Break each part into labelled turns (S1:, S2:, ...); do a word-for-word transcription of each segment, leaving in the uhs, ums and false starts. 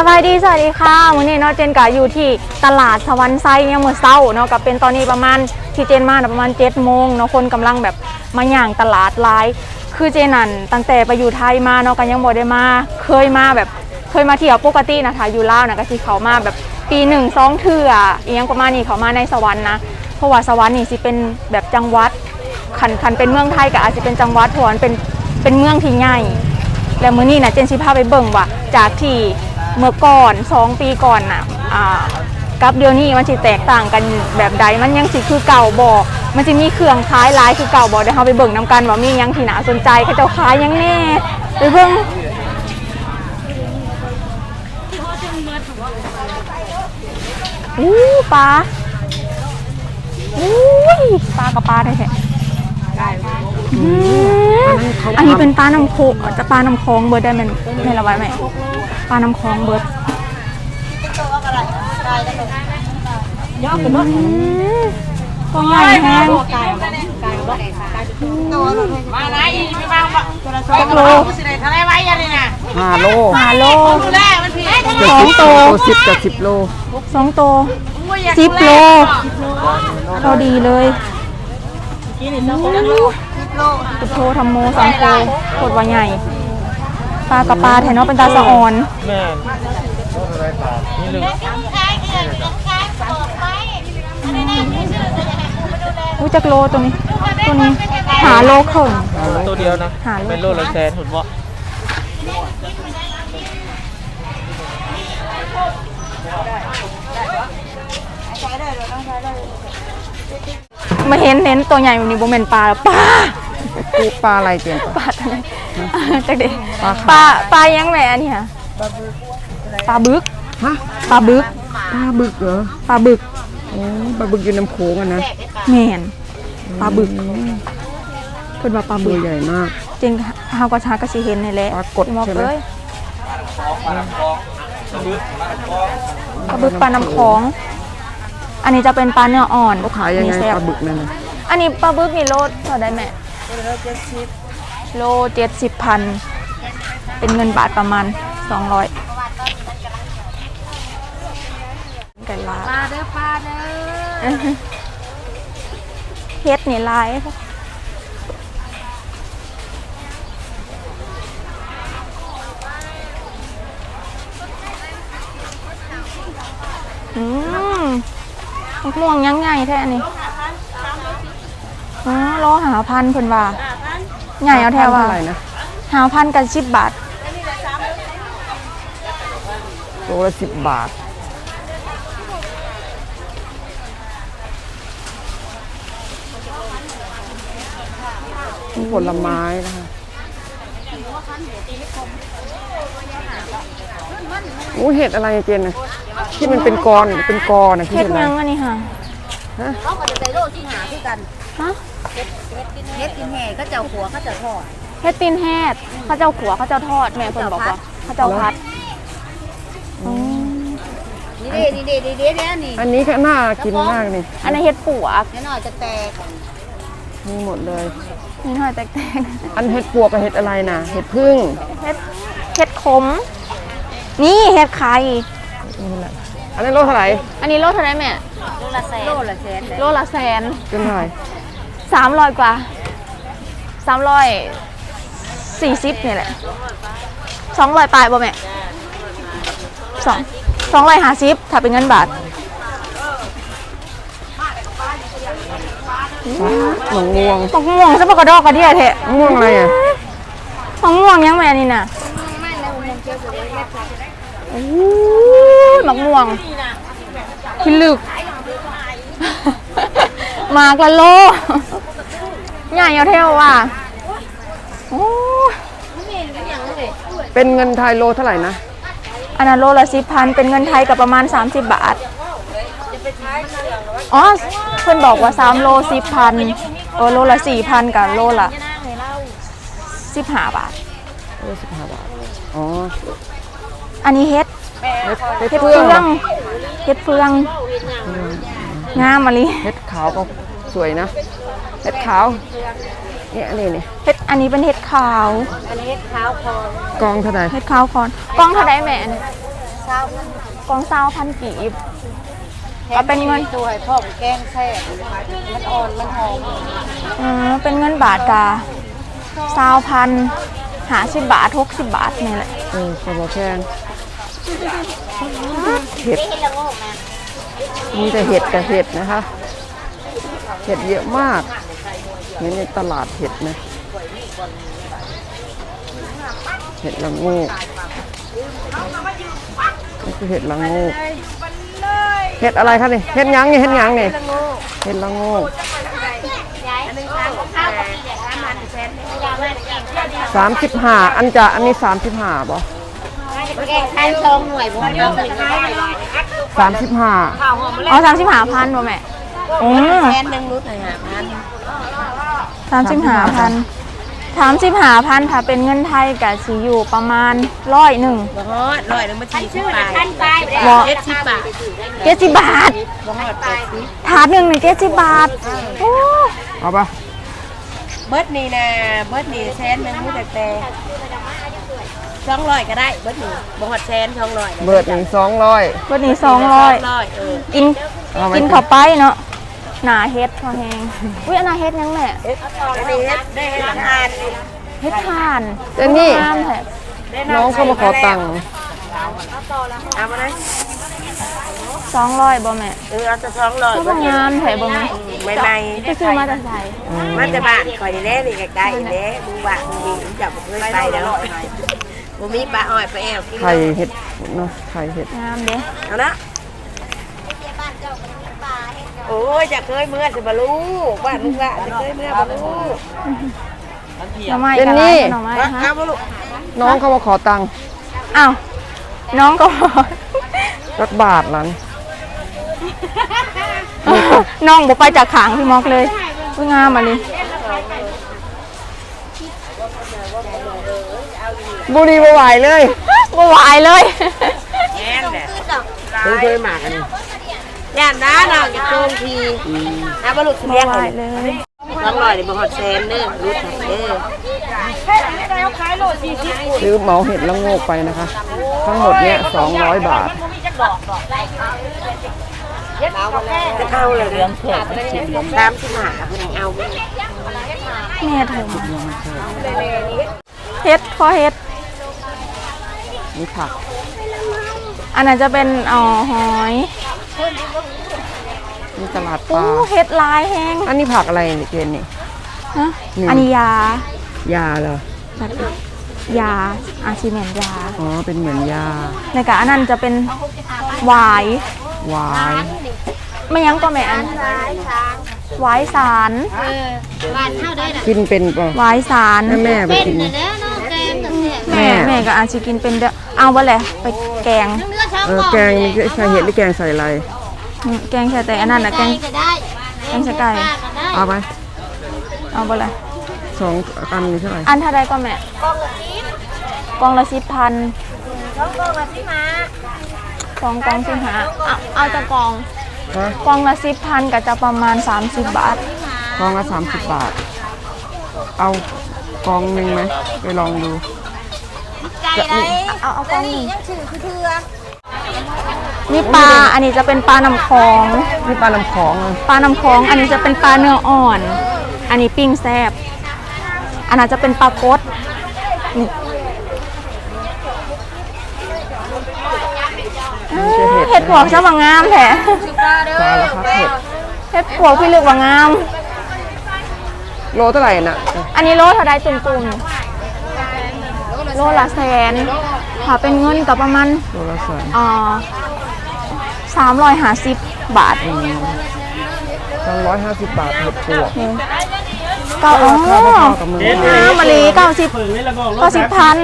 S1: บายดีสวัสดีค่ะมื้อนี้เนาะเจนกะอยู่ที่ตลาดสวรรค์ไซเนี่ยเมื่อเช้าเนาะกับเป็นตอนนี้ประมาณที่เจนมาประมาณเจ็ดโมงเนาะคนกำลังแบบมาย่างตลาดหลายคือเจนันตั้งแต่ไปอยู่ไทยมาเนาะกันยังบ่ได้มาเคยมาแบบเคยมาเที่ยวปกตินะคะอยู่ลาวนะก็สิเขามาแบบปีหนึ่งสองเทื่ออีหยังประมาณนี้เขามาในสวรรค์นะเพราะว่าสวรรค์นี่สิเป็นแบบจังหวัดคันคันเป็นเมืองไทยก็อาจจะเป็นจังหวัดเพราะมันเป็นเป็นเมืองที่ใหญ่แล้วมื้อนี้นะเจนสิพาไปเบิ่งว่าจากที่เมื่อก่อนสองปีก่อนน่ะอ่ากับเดี๋ยวนี้มันสิแตกต่างกันแบบใดมันยังสิคือเก่าบ่มันจะมีเครื่องขายหลายคือเก่าบ่เดี๋ยวเฮาไปเบิ่งนํกันว่ามีหยังที่น่าสนใจเขาเจ้าขายหยังแน่ไปเบิ่งอู้ปลาอุ้ยปลากับปลาได้แท้อันนี้เป็นปลาน้ำโขงจะปลาน้ำคลองเบิร์ดได้ไหมไม่ละไว้ไหมปลาน้ำคลองเบิร์ดตัวใหญ่แห้ง
S2: มาไหนไม่มาจักโลทะเลไว้ยังไงนะ
S3: ห้าโล
S1: ห้าโล
S3: สองโตสิบกับสิบโล
S1: สองโตสิบโลพอดีเลยตุโททำโมสังโฆโคตรว่าใหญ่ปลากับปลาแถนอเป็นตาสะอ่อน
S3: แม่นี่ลึก
S1: อุ้ยจักโลตัวนี้ตัวนี้หาโลครึ่ง
S3: ตัวเดียวนะเป็นโลละแสนหุ่นวะ
S1: มาเห็นเห็นตัวใหญ่แบบนี้โบเมนปลาปลา
S3: ปูปลาอะไรเจน
S1: ปลาตัวไหนจักเด็กปลาปลายังแหม่นี่ค่ะปลาบึก
S3: ฮะ
S1: ปลาบึก
S3: ปลาบึกเหรอ
S1: ปลาบึก
S3: โอ้ปลาบึกอยู่น้ำโขงอ่ะนะ
S1: แม่นปลาบึกเพิ่นว่าปลาบึก
S3: ใหญ่มาก
S1: จริงเฮาก็ชาก็สิเห็นนี่แหละ
S3: ปลากดใช่ไหม
S1: ปลาบึกปลาน้ำคลองอันนี้จะเป็นปลาเนื้ออ่อน
S3: เขาขายยังไงปลาบึกนั่นน่ะ
S1: อันนี้ปลาบึกนี่โลเท่าได้แม่โลเจ็ดสิบพันเป็นเงินบาทประมาณสองร้อยไก่ลา
S2: ปลาเด้อปลาเด้อ
S1: เฮ็ดนี่ลายอืมม่วงยังไงแท้อันนี้อ๋อโลหาพันเพิ่นว่าใหญ่เอาแท้ว่าหาพันกันสิบบาท
S3: โลละสิบบาทผลไม้นะคะโอ้เห็ดอะไรเจนนะที่มันเป็นกรเป็นกรนะ
S1: ที่เห็ดยังอันนี้ค่ะ
S2: ฮะเขาก็จะใส่โลที่หาที่กัน
S1: ฮะ
S2: เห็ดเห็ดกินแห่เขาเจ้าขัวเขาเจ้าทอด
S1: เฮ็ดตีนแฮดเขาเจ้าขัวเขาเจ้าทอดแม่เพิ่นบอกว่าเขาเจ้าพัด
S2: นี่เด้นี่เด้นี่เด้เนี่ยนี่
S3: อันนี้ก็น่ากินมากนี่
S1: อันนี้เฮ็ดปวก
S2: แน่นอนจะแตก
S3: มีหมดเลย
S1: นี่หน่อยแตก
S3: ๆอันเห็ดปวกกับเห็ดอะไรนะเห็ดพึ่ง
S1: เห็ดเห็ดขมนี่เห็ดไข่
S3: อันนี้โลเท่าไหร่
S1: อันนี้โลเท่าไหร่แม่
S2: โลละแสนโลละแสน
S1: โลละแสน
S3: เป็นเท่าไหร่
S1: สามร้อยกว่าสามร้อยสี่สิบนี่แหละสองร้อยปลายบ่แม่สองสองร้อยห้าสิบถ้าเป็นเงินบาท
S3: หมงม่วง
S1: หมงม่วงซะปะกระดอกกระเดี่ยเถอะ
S3: ม่วงอะไรอ่ะ
S1: หมงม่วงยังแม่นี่น่ะโอ้ยหมกม่วงพิลึกมากละโลใหญ่เอาเท่าว่ะโอ้
S3: เป็นเงินไทยโลเท่าไหร่นะ
S1: อันนั้นโลละสิบพันเป็นเงินไทยกับประมาณสามสิบบาทอ๋อเพื่อนบอกว่าสามโลสิบพันโอโลละสี่พันกับโลละสิบห้าบาท
S3: โลสิบห้าบาทอ๋อ
S1: อันนี้เฮ็ดเฮ็ดเฟืองเฮ็ดเฟืองงามมาลิ
S3: เฮ็ดขาวก็สวยนะเฮ็ดขาวเนี่ยอันนี้นี่
S1: เฮ็ดอันนี้เป็นเฮ็ดขาว
S2: อันนี้เฮ็ดขาวคอน
S3: กองเท่าไหร่
S1: เฮ็ดขาวคอนกองเท่าไหร่แม่
S2: ส
S1: กองเศร้าพันกีบก็เป็นเงิน
S2: ตัวให้พ่อแกงแซ่บมันอ่อนมันหอม
S1: เออเป็นเงินบาทกาเศร้าพันหาสิบบาทหกสิบบาทนี่แหละ
S3: เออขบแพงเห็ดมีแต่เห็ดกับเห็ดนะคะ เห็ดเยอะมากเหมือนในตลาดเห็ดนะเห็ดละโงกนี่คือเห็ดละโงกเห็ดอะไรคะนี่เห็ดหยังนี่เห็ดหยังนี่เห็ดละโงกสามสิบห้าอันจะอันนี้สามสิบห้าบ่
S2: แกงแทนชงหน่วยผมยกเลย
S3: สามสิบห้า
S1: อ๋อสามสิบห้าพันบ่แม่อืม
S2: แทนหนึ่งรู้แต่หาพัน
S1: สามสิบห้าพันสามสิบห้าพันถ้าเป็นเงินไทยกับสีอยู่ประมาณร้อยหนึ่ง
S2: บ่ฮอดร้อยหนึ่งมาสี่สิบบาท
S1: บ่
S2: เจ็ดสิบบาท
S1: เจ็ดสิบบาท
S2: บ่ฮอดแปดสิบ
S1: ถาดหนึ่งนี่เจ็ดสิบบาทโอ้
S3: เอาปะ
S2: เบิร์ดนี่นะเบิร์ดนี่แสนหนึ่งรู้แต่แต่สองร้อยก็ได้เบิร์ดนี่บ่ฮอดแสนสองร้อย
S3: เบิดหนึ่งสองร้อย
S1: วันนี้สองร้อย
S2: ร้อยเออ
S1: กิน
S3: เอาไหม
S1: กินเข้าไปเนาะหนาเฮ็ดพอแหงอุ้ยอันนาเฮ็ดยังแม่
S2: อันนี้เฮ็ดได้เฮ็ดทาน
S1: เฮ็ดทาน
S3: เจนนี่
S1: งามแท้
S3: น้องเขามาขอตังค์
S2: เอามาได้
S1: สองร้อยบ่แม่
S2: เออเอาจะสองร้อย
S1: ก็งามแท้บ่แม่
S2: ไม่ไม่
S1: จะซื้อมาจากไส
S2: มันจะบ้านคอยนี่แหละนี่ใกล้ๆนี่แหละดูบ้านดีจับบ่เคยไปแล้วบ่มีปลาอ้อยปลาแอวกิน
S3: ไข่เห็ดเนาะไข่เห็ด
S1: งามเด้
S2: เอานะโอ้ยจะเคยเมื่อสิบ่รู้บ้านมึงละจะเคยเมื่อบ่รู้
S1: หน่อไม้
S3: เจน
S1: กับ
S3: นี่
S1: หน่อไม้ฮะ
S2: เอาบ่ลูก
S3: น้องเขามาขอตังค์
S1: อ้าวน้องก็
S3: สักบาทหลัง
S1: น้องบ่ไปจากขางพี่มอกเลยอุ้ยงามอ่ะนี่
S3: บุรีบ่ไหวเลย
S1: บ่ไหวเลย
S2: แม่นแหละเคยเคยมากันย่านน้าน้องจะโกงทีเอาบ่ลูกสิ
S1: บ่
S2: เลี้ยง
S1: ไหว
S2: ให้
S1: เลย
S2: สองร้อยนี่บ่ฮอดแสนเด้อรู้จักเด้อ
S3: ซื้อเหมาเห็ดละโงกไปนะคะ ทั้งหมดเนี้ยสองร้อยบาท
S2: จะเอาเลยเรื่องแขกตามที่มาเพิ่นเอา
S1: แม่โทรมาเฮ็ดพอเฮ็ด
S3: นี่ผัก
S1: อันนั้นจะเป็นอ๋อหอย
S3: นี่ตลาดป
S1: โอ้
S3: ลา
S1: เฮ็ดลายแห้ง
S3: อันนี้ผักอะไรเนี่ยเจนนี่
S1: ฮะ
S3: นี่
S1: อันนี้ยาย
S3: าเหรอ
S1: ยาอาชีเมนยา
S3: อ๋อ เป็นเหมือนยา
S1: ในกะอันนั้นจะเป็นหวาย
S3: หวาย
S1: ไม่ยั้งก็แม่อันหวายสาร
S3: กินเป็นป่ะ
S1: หวายสาร
S3: แม่แม่ไปกิน
S1: แม่แม่ก็อาจจะกินเป็นเด้อเอาบ่แหละไปแกง
S3: เออแกงนี่ใส่เห็ดหรือแกงใส่อะไร
S1: อืมแกงแค่แต่อันนั้นน่ะแกงแกงใส่ไก่
S3: เอาไป
S1: เอาบ่แหละ
S3: สองอันนี้เท่าไหร่
S1: อันเท่าใดก็แม่กองละสิบพันสองกองสิบห้าเอาเอาจะกอง
S3: ฮะ
S1: กองละสิบพันก็จะประมาณสามสิบบาท
S3: กองละสามสิบบาท เอากองหนึ่งไหมไปลองดูจะมี
S1: เอาเอากองหนึ่งนี่ปลาอันนี้จะเป็นปลาน้ำคลอง
S3: นี่ปลาลำของอ่ะ
S1: ปลาน้ำคลอง อันนี้จะเป็นปลาเนื้ออ่อน อันนี้ปิ้งแซ่บอันนั้นจะเป็นปลากดนี่
S3: นี่จะเห็ด
S1: เห็ดปวกซะว่างามแท้
S3: สารพัดเห็ด
S1: เห็ดปวกพี่ลึกว่างาม
S3: โลเท่าไหร่น่ะ
S1: อันนี้โลเท่าใดตุ่มๆโลละแสนถ้าเป็นเงินกับประมาณ
S3: โลละแสน
S1: อ่าสามร้อยห้าสิบบาท
S3: สองร้อยห้าสิบบาทเห็ดปวก
S1: เก้าอ๋อ
S3: ราคาพอๆกับเมืองไทย
S1: น้ำมะลิเก้าสิบเก้าสิบพัน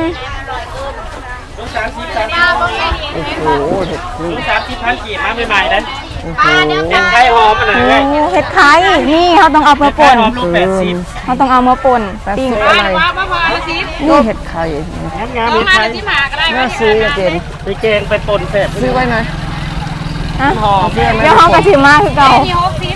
S3: โอ้โหเห็ดนี่
S4: สามสิบพันกีบมาใหม่ๆนั้น
S3: โอ้โห
S4: ไข่หอมอันไหน
S1: โอ้
S4: เลย
S1: เห็ดไข่นี่เขาต้องเอามา
S4: ไข่
S1: ป่น
S4: หอมลูกแปดสิบ
S1: เขาต้องเอามาป่น
S3: แปด
S1: ปิ้ง
S3: สิบอะไรนี่เห็ดไข่
S4: งามงามๆไข่
S3: น่าซื้ออะเจน
S4: ไปแกงไปปนแสบ
S3: ซื้อไว้นะ
S1: ฮะ
S4: หอม
S1: เดี๋ยวเขากระชิมมาคือเก่า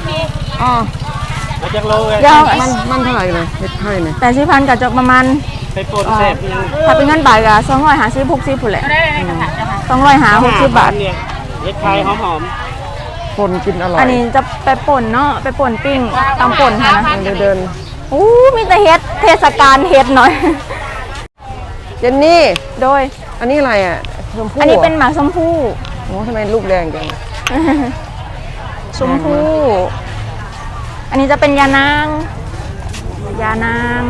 S3: อ๋อ
S4: มาจากโลเลย
S1: เดี๋ยว
S3: มันมันเท่าไหร่เลยเห็ดไข่เนี่ย
S1: แปดสิบพันกับจะประมาณ
S4: ไปปนแสบยัง
S1: ถ้าเป็นเงินบาทก็สองร้อยห้าสิบหกสิบพุ่นแหละสองร้อยห้าหกสิบบาท
S4: เนี่ยเห็ดไข่หอม
S3: คนกินอร่อย
S1: อันนี้จะไปป่นเนาะไปป่นปิ้งตำป่นค่ะนะ
S3: เดินเดิน
S1: อู้มีแต่เฮ็ดเทศกาลเฮ็ดหน่อย
S3: เจนนี่
S1: โดย
S3: อันนี้อะไรอ่ะชมพู่
S1: อันนี้เป็นหมากชมพู่
S3: โอ้ทำไมลูกแดงจัง
S1: ชมพู่อันนี้จะเป็นยานางยานาง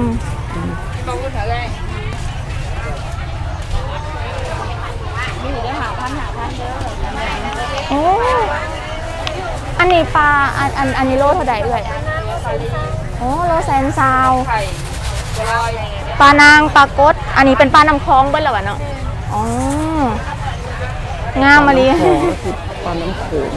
S1: โอ้อันนี้ปลาอันอันอันนี้โลเท่าไหร่เอ่ยโอ้โลแสนซาวปลานางปลากดอันนี้เป็นปลาน้ำคลองเบิ้ลเหรอวะเนาะอ๋องามมาลี
S3: ของก็คือปลาน้ำโขง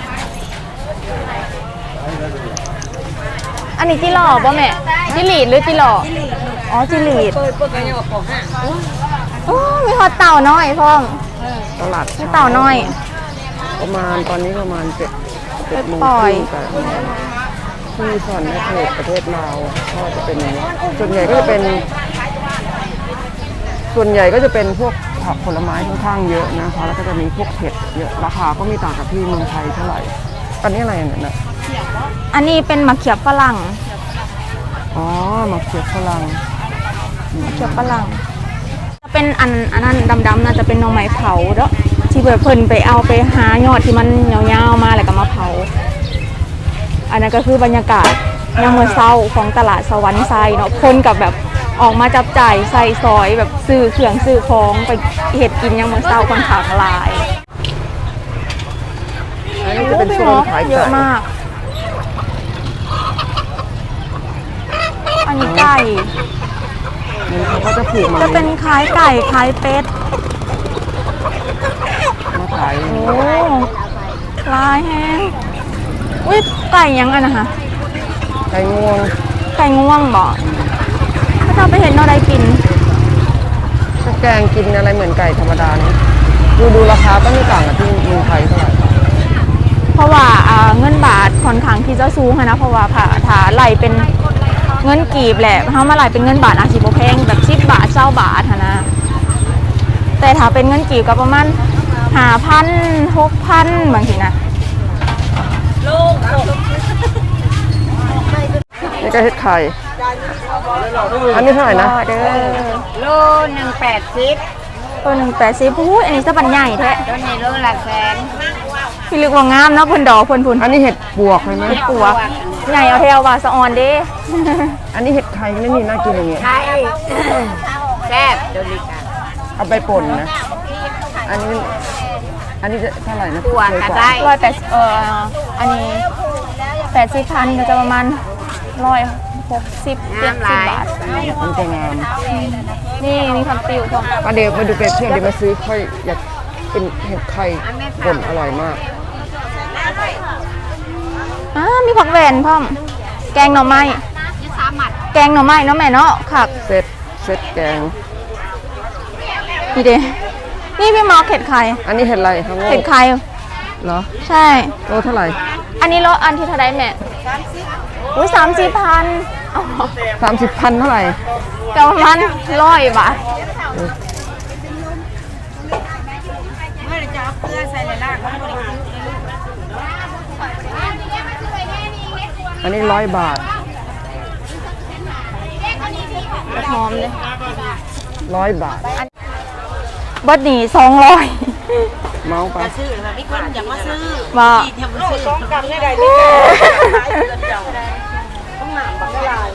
S1: อันนี้จิหล่อป่ะแม่จิหลีดหรือจิหล่ออ๋อจิหลีดโอ้มีฮอตเต่าน้อยพ่อม
S3: ตลาด
S1: มี
S3: เช้า
S1: เต่าน้อย
S3: ประมาณตอนนี้ประมาณเจ็ดเจ็ดโมง
S1: ปล่อย
S3: ครึ่งแต่ที่ซอนแม่เทศประเทศลาวก็จะเป็นอย่างนี้ส่วนใหญ่ก็จะเป็น ส่วนใหญ่ก็จะเป็นพวกผักผลไม้ค่อนข้างเยอะนะคะแล้วก็จะมีพวกเห็ดเยอะราคาก็ไม่ต่างกับที่เมืองไทยเท่าไหร่อันนี้อะไรเนี่ยนะ
S1: อันนี้เป็นมะเขือฝรั่ง
S3: อ๋อมะเขือฝรั่ง
S1: มะเขือฝรั่งจะเป็นอันอันนั้นดำๆน่าจะเป็นหน่อไม้เผาเด้อที่แบบเพิ่นไปเอาไปหายอดที่มันยาวๆมาแล้วก็มาเผา อันนั้นก็คือบรรยากาศยามมื้อเช้าของตลาดสวรรค์ไซเนาะคนกับแบบออกมาจับจ่ายใส่ซอยแบบซื้อเครื่องซื้อของไปเฮ็ดกินยามมื้อเช้าค่อนข้างหลาย
S3: อันนี้จะเป็นโซนขาย
S1: เย
S3: ไก่
S1: อะมาก อันนี้ไก่
S3: นี่เขาก็จะผูกมา
S1: จะเป็นคล้ายไก่คล้ายเป็ด
S3: มาขาย
S1: โอ้ลายแห้งอุ้ยไก่ยังอันนะคะ
S3: ไก่งวง
S1: ไก่ง่วงบ่ถ้าเราไปเห็นเราได้กิน
S3: ถ้าแกงกินอะไรเหมือนไก่ธรรมดานี่ดูดูราคาก็ไม่ต่างกับที่เมืองไทยเท่าไหร่
S1: เพราะว่าอ่าเงินบาทค่อนข้างที่จะสูงอะนะเพราะว่าผ่าถ้าไหลเป็นเงินกีบแหละเขามาไหลเป็นเงินบาทอาจสิบ่แพงแบบสิบบาทเจ้าบาทอะนะแต่ถ้าเป็นเงินกีบก็ประมาณห้าพันหกพันบางทีนะ
S3: นี่ก็เห็ดไข่ อันนี้เท่าไหร่นะ
S1: เด้อ
S2: โลหนึ่งแปดสิบ
S1: ตัวหนึ่งแปดสิบพูดอันนี้จะบันใหญ่แท้
S2: ตัวนี้โลละแสน
S1: พี่ลึกว่างามเนาะเพิ่นดอกเพิ่นพุ่น
S3: อันนี้เห็ดปวกเลยไหม
S1: ปัวใหญ่เอาเทวว่าสะออนเด้
S3: อันนี้เห็ดไข่ไม่มีน่ากินอย่างเงี้ย
S2: ไทยแซ่บตัวนี้ค่ะ
S3: เอาไปป่นนะ อันนี้ อันนี้จะเท่าไหร่นะ
S2: ตัวก็ได้
S1: ร้อยแปดเอ่ออันนี้แปดสิบพันก็จะประมาณร้อยหกสิบเจ็ดสิบบาท
S3: มันจะงาม
S1: นี่มีคำติวของ
S3: มาเดี๋ยวมาดูเปรียบเทียบเดี๋ยวมาซื้อค่อยอยากเป็นเห็ดไข่ป่นอร่อยมาก
S1: อ่ามีผักแหวนพ่อม แกงหน่อไม้แกงหน่อไม้เนาะแม่เนาะค่ะ
S3: เซ็ตเซ็ตแกง
S1: นี่เด้นี่พี่หมอเห็ดไข่
S3: อันนี้เห็ดอะไรครับ
S1: เห็ดไข่
S3: เหรอ
S1: ใช่
S3: โลเท่าไหร่
S1: อันนี้รถอันที่เท่าไรแม่อุ้ยสามสิบพัน
S3: สามสิบพันเท่าไหร่
S1: แต่ประมาณร้อยบาท
S2: เมื่อจะเอาเกลือใส่ในรากมันบริสุทธิ์
S3: อันนี้ร้อยบาท
S1: หอมเลย
S3: ร้อยบาท
S1: เบิดหนีสองร้อย
S3: เมาไป
S2: ซื้อแบบนี้คนอยากมาซื้อ
S1: มา
S2: ที่ทำซื้อต้องกำได้ใดต้องหนามบังลาย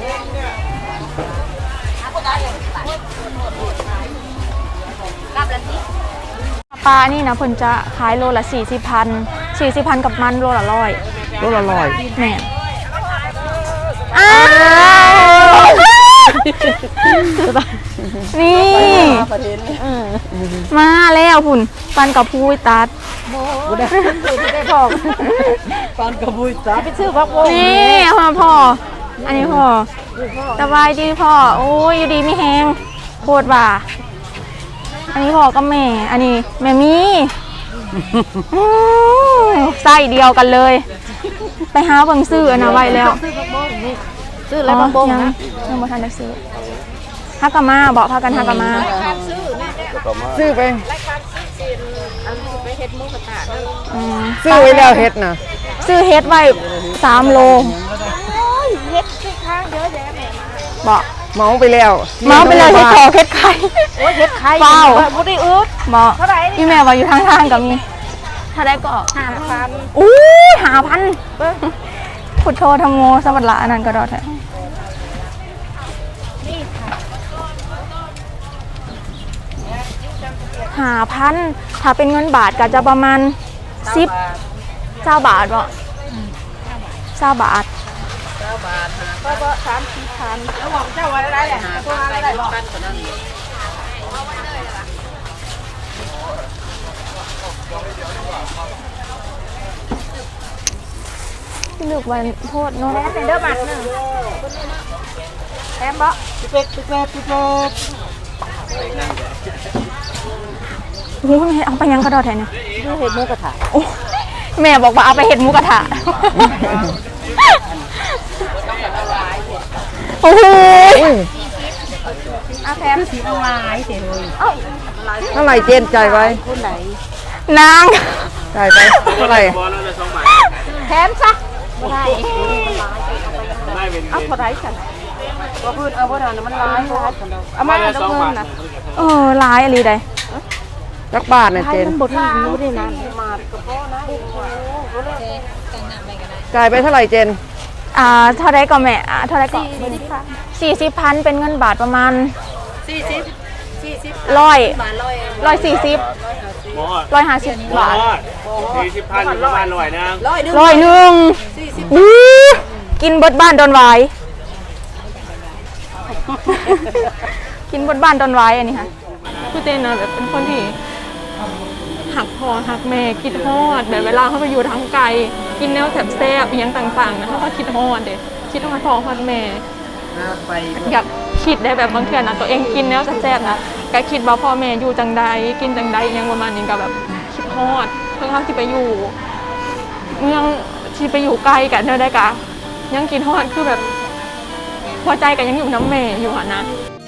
S2: กับละสิ
S1: ปลานี่นะเพิ่นจะขายโลละสี่สิบพันสี่สิบพันกับมันโลละร้อย
S3: โลละร้อย
S1: แม่นอ้าวนี่มาแล้วพุ่นปันกับพูยตัด
S3: ได้พอปานกระบุยจ้าไปซื้อพักโบ
S1: นี่พ่อพ่ออันนี้พ่อสบายดีพ่อโอ้ยอยู่ดีไม่แห้งโคตรว่าอันนี้พ่อกับแม่ อันนี้แม่มีอื้อไส้เดียวกันเลย ไปหาเบิ่งซื้ออันนะไว้แล้ว
S3: ซื้ออะไรพักโบ
S1: ยัง
S3: นะ
S1: ยังบ่ทันได้ซื้อฮักกะมาบอกพากันฮักกะมา
S3: ซื้อไป
S2: ไปเฮ็ดหมูกระทะนั่น
S1: อืม
S3: ซื้อไว้แล้วเฮ็ดนะ
S1: ซื้อเฮ็ดไว้สามโล
S2: เฮ็ดคือข้างเยอะแยะแม่
S1: บอก
S3: เมาไปแล้ว
S1: เมาไปเลยเฮ็ดคอเฮ็ดไข่
S2: โอ้ยเฮ็ดไข่
S1: เฝ้า
S2: บ่ได้อึด
S1: บอก
S2: เท่าไหร่
S1: พี่แม่ว่าอยู่ทางทางๆก็มีถ้าได้ก็
S2: ห้าพัน
S1: อู้ยหาพันพุทโธธรรมโมสวัสดิ์ละอันนั้นก็ดอดแท้หาพันถ้าเป็นเงินบาทก็จะประมาณสิบเจ้าบาทบ่เจ้าบาท
S2: ก็ก็สามสี่พันแล้วบอกเจ้าว่าอะไรแหละตัวอะไรบอก
S1: เลือกวันโทษเนาะ
S2: แถมเป็นเด้อบัตรหนึ่งแถมบ่
S4: เป็ดเป็ดเป็ดเป็ด
S1: โอ้ยเอาไปยังกระดอดแทนเนี่ย
S2: ดูเฮ็ดหมูกระทะ
S1: โอ้ยแม่บอกว่าเอาไปเห็ดหมูกระทะโอ้โห
S2: เอาแถมสีลายเสียเลย
S3: เท่าไหร่เจนจ่ายไว้
S2: คนไหน
S1: นาง
S3: จ่ายไปเท่าไหร่
S4: บอลนั่นเลยสองบาท
S2: แถมซะบ่ได้
S4: ได้เป็น
S2: เอาเท่าไหร่กันบ่พื้นเอาบ่ได้มันลายเอามา
S4: ได้
S2: เอา
S4: สอง
S2: เงิ
S4: บาท
S2: นนะ
S1: เออร้ายอะไรใด
S3: จักบาทนะเจน
S2: มันบ่ถึงรู้ได้นานมาก็พอนะ
S3: จ่ายไปเท่าไหร่เจน
S1: อ่าเท่าไรก็แม่อ่าเท่าไรก็สี่สิบพันเป็นเงินบาทประมาณ
S2: สี่สิบสี่สิบ
S1: ร้อย
S2: บาทร้อย
S1: ร้อยสี่สิบ
S4: บอล
S1: ร้อยห้าสิบบาท
S4: สี่สิบพันอยู่ประมาณหน่อยนะ
S2: ร้อยหนึง
S1: ร้อยหนึ่ง
S2: สี่สิบ
S1: อู้กินเบดบ้านดอนไว้ กินเบดบ้านดอนไว้อันนี้ค่ะคือเจนนะแบบเป็นคนที่หักพอหักแม่คิดฮอดแบบเวลาเขาไปอยู่ทางไกลกินแนวแแซ่บๆอหยังต่างๆนะเขาก็คิดฮอดเด็คิดฮอดพ่อฮอดแม่
S4: ไป
S1: อยากคิดได้แบบบางเทื่อนะตัวเองกินแล้วแซ่บๆนะก็คิดว่าพ่อแม่อยู่จังใดกินจังใดอยังประมาณนี้ก็แบบคิดฮอดเพิ่งเขาที่ไปอยู่เมืองที่ไปอยู่ไกลกันเท่าได้กะยังกินฮอดคือแบบหัวใจกันยังอยู่น้ำแม่อยู่อ่ะนะ